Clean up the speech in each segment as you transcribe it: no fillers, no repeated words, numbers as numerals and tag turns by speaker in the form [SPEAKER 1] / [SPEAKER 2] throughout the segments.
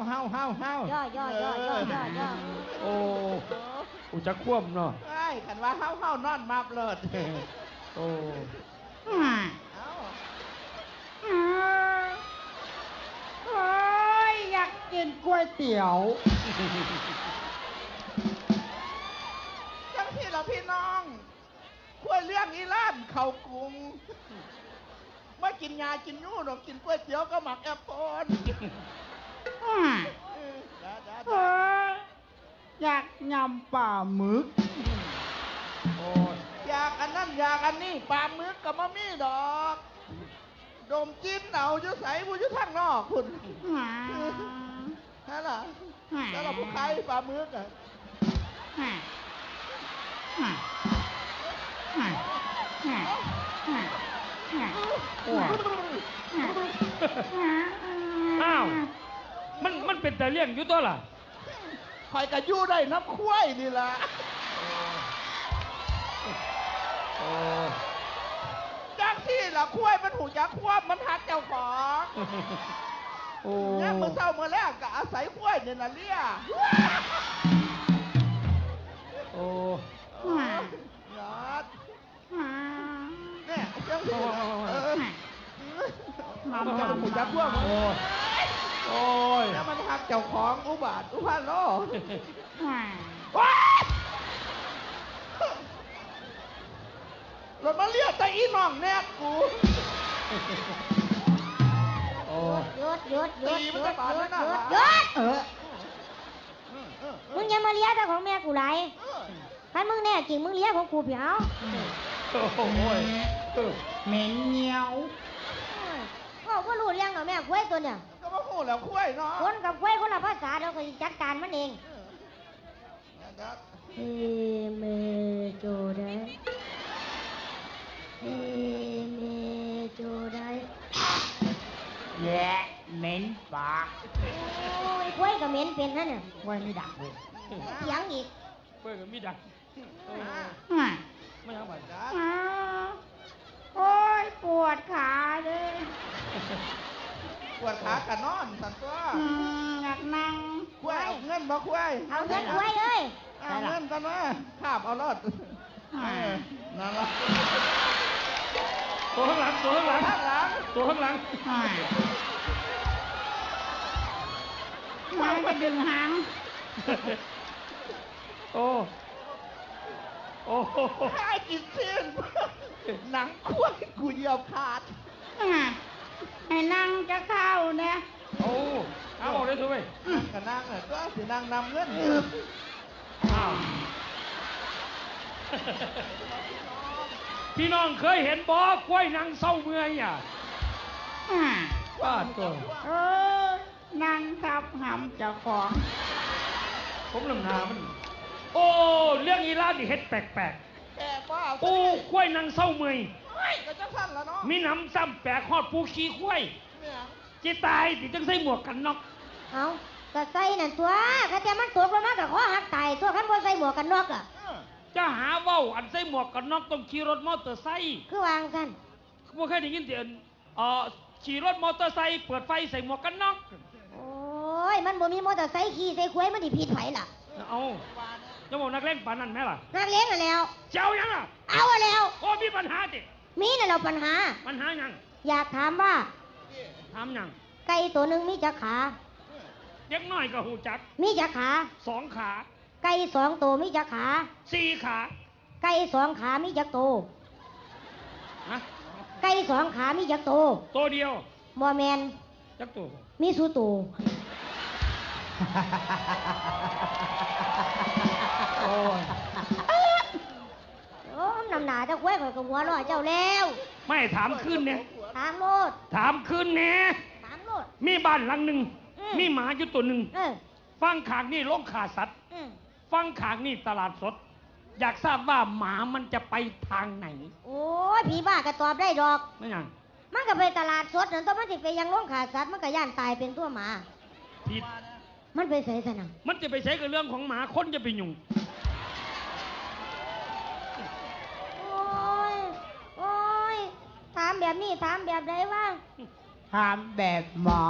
[SPEAKER 1] ย่อ
[SPEAKER 2] โอ้อุจะคว่ำเนาะ
[SPEAKER 3] ไอ้ขันว่าเฮานอนมาเปลิด
[SPEAKER 2] โอ้
[SPEAKER 1] โอ้ยอยากกินก๋วยเตี๋ยว
[SPEAKER 3] จังที่เราพี่น้องคุยเรื่องอีล่านเขากรุงไม่กินยากินยู่หรอกกินก๋วยเตี๋ยวก็หมักแอปเปิ้ล
[SPEAKER 1] อยากยำปลาหมึก
[SPEAKER 2] โอ้
[SPEAKER 3] อยากอันนั้นอยากอันนี้ปลาหมึกกับมะมี่ดอกดมจิ้นเอาอยู่ใส่ผู้อยู่ทางนอกคุณฮะล่ะแล้วเราผู้ใครปลาหมึกอ่ะ
[SPEAKER 2] อ้าวมันเป็นแต่เลี้ยงอยู่ตัวล่ะ
[SPEAKER 3] คอยกระยู่ได้น้ำคุ้ยนี่ล่ะจังที่ล่ะคุ้ยมันหูจักควบมันหักเจ้าของเนี่ยเมื่อเช้าเมื่อแรกก็อาศัยคุ้ยเนี่ยนะเลี้ย
[SPEAKER 2] โอ้
[SPEAKER 3] ยอดเนี่ยจังที่มันหูจักควบ
[SPEAKER 2] โอ้ย
[SPEAKER 3] แล้วมันหักเจ้าของอุบาทอุพาโลรถมาเรียกแต่อีน้องแนบกู
[SPEAKER 1] หยุดมึงอย่ามาเลี้ยแต่ของแม่กูไรถ้ามึงแน่จริงมึงเลี้ยของกูเปียวเหม็นเหนียวก็รู้เรื่องกับแม่กล้วยตัวเนี่ย
[SPEAKER 3] ก็มาพูดแล้วกล้วยเนาะ
[SPEAKER 1] คนกับกล้วยคนละภาษาเราก็จัดการมันเองเมโจได้เมโจได้แย่เหม็นปากโอ้ยกล้วยกับเหม็นเป็นนั่นน่ะกล้วยไม่ดักเลยเสียงอีก
[SPEAKER 2] กล้วยกับมีดักไม่ยังไง
[SPEAKER 1] โอ้ยปวดขาเลย
[SPEAKER 3] ปวดขากันนอนสันตัว
[SPEAKER 1] อยากนั่ง
[SPEAKER 3] คุ้ยเอาเงินบ่คุ้ย
[SPEAKER 1] เอาเงินคุ้ยเลย
[SPEAKER 3] เอาเงินกันนะข้ามเอารถนั่นละ
[SPEAKER 2] ตัวข้างหลังตัวข้างหลัง
[SPEAKER 1] มาจะดึงหาง
[SPEAKER 2] โอ้
[SPEAKER 3] ให้กินเส้นหนังคุ้ยกูเหยียบขาด
[SPEAKER 1] ให้นั่งจะเข้าเนี่ย
[SPEAKER 2] เอาบอกได้ทุกไป
[SPEAKER 3] ก็นั่งเนี่ยก็สินั่งนำเงิน
[SPEAKER 2] พี่น้องเคยเห็นบ่กล้วยนางเศร้าเมื่อยอ่ะว่าตัว
[SPEAKER 1] นางทับหำเจ้าของ
[SPEAKER 2] ผมลำนามันโอ้เรื่องอีลาดิเฮ็ดแปลกโอ้กล้วยนางเศร้าเมื่อย
[SPEAKER 3] ก็จะสั้นแล้วเนาะ
[SPEAKER 2] มีน้ำซ้ำแปลกฮอดปูขี้กล้วยจิตายดิจังใส่หมวกกันน็อก
[SPEAKER 1] เอาก็ใส่นั่นตัวก็จะมันตัวประมาณกับข้อหักตายตัวขันบ่ใส่หมวกกันน็อกอ่ะ
[SPEAKER 2] จะหาเว้าอันใส่หมวกกันน็อกต้องขี่รถมอเตอร์ไซค์
[SPEAKER 1] คือวางกัน
[SPEAKER 2] บ่เคยได้ยินเสียงขี่รถมอเตอร์ไซค์เปิดไฟใส่หมวกกันน็อก
[SPEAKER 1] โอ้ยมันบ่มีมอเตอร์ไซค์ขี่ใส่คุ้ยมันดิผิดไผล่ะ
[SPEAKER 2] เอาจะบอกนักเล่นปานนั้นไหมล่ะ
[SPEAKER 1] นักเล่นอ่ะแล้ว
[SPEAKER 2] เจ้ายังอ่ะ
[SPEAKER 1] เอาอ่ะแล้ว
[SPEAKER 2] โอ้มีปัญหาดิ
[SPEAKER 1] มีน่ะเราปัญหา
[SPEAKER 2] ยัง
[SPEAKER 1] อยากถามว่า
[SPEAKER 2] ถามยัง
[SPEAKER 1] ไก่ตัวหนึ่งมีจักขา
[SPEAKER 2] เด็กน้อยก็หูจัก
[SPEAKER 1] มีจักขา
[SPEAKER 2] 2 ขา
[SPEAKER 1] ไก่2 ตัวมีจักขา
[SPEAKER 2] 4 ขา
[SPEAKER 1] ไก่2 ขามีจักโตไก่2 ขามีจักโต
[SPEAKER 2] ตัวเดียว
[SPEAKER 1] บ่แมน
[SPEAKER 2] จักตัว
[SPEAKER 1] มีสูโตโอ้นำหนาเจ้าคุ้ยข่อยกับหัวรอเจ้าแล้ว
[SPEAKER 2] ไม่ถามขึ้นเนี่ย
[SPEAKER 1] ถามโลด
[SPEAKER 2] ถามขึ้นเนี่ย
[SPEAKER 1] ถามโลด
[SPEAKER 2] มีบ้านหลังหนึ่งมีหมาอยู่ตัวหนึ่งฟังขางนี่โรงฆ่าสัตว์ฟังขางนี่ตลาดสดอยากทราบว่าหมามันจะไปทางไหน
[SPEAKER 1] โอ้ยผีบ้าก็ตอบได้ดอก
[SPEAKER 2] ไม่ยัง
[SPEAKER 1] มันก็ไปตลาดสดนั่นต้องมันสิไปยังโรงฆ่าสัตว์มันก็ย่านตายเป็นตัวหมา
[SPEAKER 2] ผิด
[SPEAKER 1] มันไปใส่สนาม
[SPEAKER 2] มันจะไปใช้กับเรื่องของหมาคนจะไปยุ่ง
[SPEAKER 1] โอ้ยถามแบบนี้ถามแบบไหนวะ
[SPEAKER 3] ถามแบบหมอ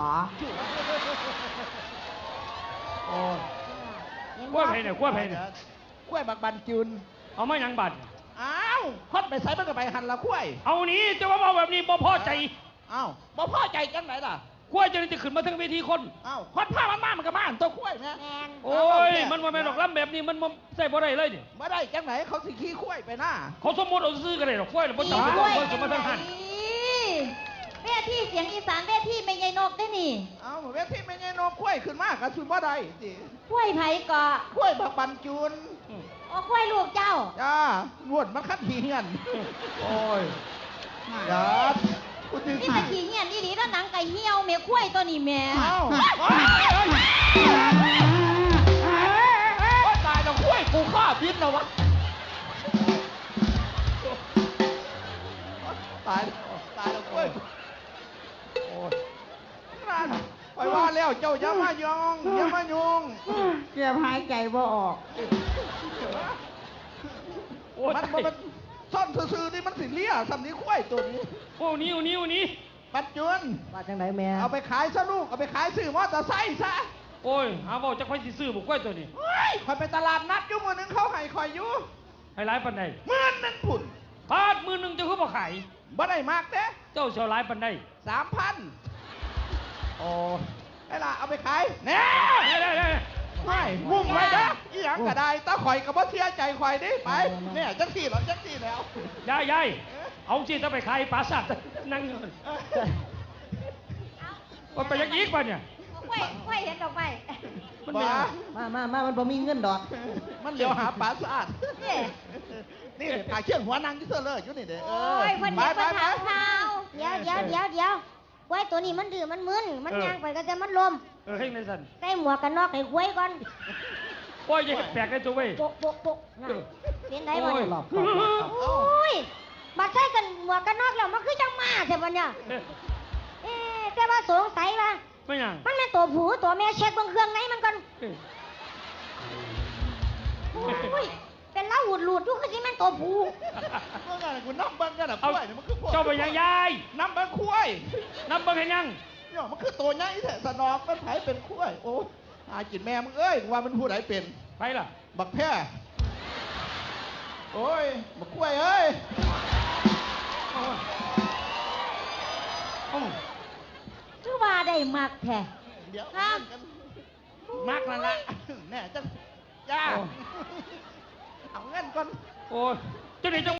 [SPEAKER 2] โอ้ยกล้วยไผ่เนี่ยกล้วยไผ่เนี่ย
[SPEAKER 3] กล้วยบักบันจุน
[SPEAKER 2] เอามาหยังบัด
[SPEAKER 3] อ้าวฮอดไปใส่มันก็ไปหันละกล้วย
[SPEAKER 2] เอานี้จะว่าเอาแบบนี้บ่พอใจ
[SPEAKER 3] อ้าวบ่พอใจจังไหนล่ะ
[SPEAKER 2] กล้วยจะได้จะขึ้นมาทั้งเวทีคน
[SPEAKER 3] อ้าวฮอดผ้ามันมามันก็มาอันตัวกล้วยนะ
[SPEAKER 1] แมน
[SPEAKER 2] โอ้ย มันว่าแม่นดอกล้ำแบบนี้มันบ่ใส่บ่ได้เลยนี่
[SPEAKER 3] บ่ได้จังไหนเขาสิขี้กล้วยไปหน้า
[SPEAKER 2] เขาสมมติเอาซื้อกันเลยดอกกล้วยน่ะบ่ต้องไปบอกว่าสมมาทั้งหัน
[SPEAKER 1] เวทีเสียงอีสานเวทีไม่ใหญ่นกได้นี่
[SPEAKER 3] เอ้าเวทีไม่ใช่นกกล้วยขึ้นมากก็สุบ่ได้สิ
[SPEAKER 1] กล้วยไผ่เกาะ
[SPEAKER 3] กล้วยบักบันจุน
[SPEAKER 1] โอ้กล้วยลูกเจ้า
[SPEAKER 3] จ้าวนมันคัดหีเงิน
[SPEAKER 2] โอ้ย
[SPEAKER 3] จ้าคุณดึง
[SPEAKER 1] นี่เป็นขี้เหี้ยนอีหลีแล้วหนังไก่เหี่ยวแม่กล้วยตัวนี้แม่
[SPEAKER 3] เอ้าตายแล้วกล้วยกูฆ่าพิษแล้ววะตายแล้วกล้วย
[SPEAKER 2] โอ้ย
[SPEAKER 3] นั่นไปว่าแล้วเจ้าอย่ามายองอย่ามายุง
[SPEAKER 4] เกือบหายใจบ่ออก
[SPEAKER 2] โอ้ย
[SPEAKER 3] มันซ่อนซื่อๆนี่มันสิเลี่ยสำนี้กล้วยตัวนี้
[SPEAKER 2] โอ้นี้โอ้นี้
[SPEAKER 3] ปัจจุบัน
[SPEAKER 4] ว่าจังไดแม่
[SPEAKER 3] เอาไปขายซะลูกเอาไปขายซื้อมอเตอร์ไซค์ซะ
[SPEAKER 2] โอ้ยหาเว้าจักไผสิซื้อบ่กล้วยตัวนี้
[SPEAKER 3] เฮ้ยคอยไปตลาดนัดอยู่มือหนึงเขาให้คอยอยู่
[SPEAKER 2] ให้หลายปานใด
[SPEAKER 3] หมื่นหนึงผุ่น
[SPEAKER 2] พาดมือหนึงจะคือบ่ขาย
[SPEAKER 3] บ่ได้มากเด้
[SPEAKER 2] เจ้าเสียวหลายปานใด
[SPEAKER 3] 3,000
[SPEAKER 2] โอ้
[SPEAKER 3] ไอ้ล่ะเอาไปขายแน่
[SPEAKER 2] ได้
[SPEAKER 3] ไม่มุ่งไว้นะอีหยังก็ได้ตาข่อยกับว่าเสียใจข่อยดิไปเนี่ยจังสี่เหรอจังสี่แล้ว
[SPEAKER 2] ยายเอาสิถ้าไปขายปราสาทนั่งอยู่ว่าไปยังอีกป่ะเนี่ย
[SPEAKER 1] กล้วยเห็นดอกไม้
[SPEAKER 2] มันเป็น
[SPEAKER 3] บ้า
[SPEAKER 2] ยัง
[SPEAKER 4] มามันบ่มีเงินดอก
[SPEAKER 3] มันเดี๋ยวหาปลาสะอาด
[SPEAKER 1] นี่
[SPEAKER 3] นี่ขาเชื่องหัวนางที่เสื้อเลยอยู่นี่เด้
[SPEAKER 1] โอ้ยเพิ่น
[SPEAKER 3] ไป
[SPEAKER 1] เห็น
[SPEAKER 3] ไป
[SPEAKER 1] เพิ่น
[SPEAKER 3] ไป
[SPEAKER 1] ถามข่าวเดี๋ยวกล้วยตัวนี้มันดื้อมันมึนมันย่างไปก็จะมันลม
[SPEAKER 2] เฮ้ยในสัน
[SPEAKER 1] ใส่หมวกกันน็อกให้กล้วยก่อน
[SPEAKER 2] โอ้ยยังแปลกได้ตัวเว้ย
[SPEAKER 1] โปะน่ะเป็นไดบ่เนี่ย
[SPEAKER 4] หลบ
[SPEAKER 1] โอ้ยบัดใส่กันหมวกกันน็อกแล้วมันคือจังมาใช่ปะเนี่ยแต่ว่าสงสัยว่า
[SPEAKER 2] ไม่ยัง
[SPEAKER 1] มันเป็นตัวผู้ตัวแม่เช็คเบางเครื่องไหนมันก่อนโอ้ยเป็นเล่าหูดอยู่คือสิแม่นตัวผู้
[SPEAKER 3] เมื่อไงกูน้ำเบิ้งกันอ่ะกล้วยเนี่ยมันคือพวก
[SPEAKER 2] เจ้าไปยังยาย
[SPEAKER 3] น้ำเบิ้งกล้วย
[SPEAKER 2] นับเบิ่งให้ยัง
[SPEAKER 3] เนี่ยมันคือตัวใหญ่แท้สนองมันไผเป็นกล้วยโอ้หากินแม่มึงเอ้ยว่ามันผู้ใดเป็น
[SPEAKER 2] ไปล่ะ
[SPEAKER 3] บักแพร่โอ้ยบักกล้วยเอ้ย
[SPEAKER 2] โอ้ยโอ้ย
[SPEAKER 1] คือว่าได้มักแท้
[SPEAKER 3] เดี๋ยว
[SPEAKER 1] ครับ
[SPEAKER 3] มากนั่นละแน่จังย่าเอาเงินก่อน
[SPEAKER 2] โอ้ยเจ้าไหนเจ้า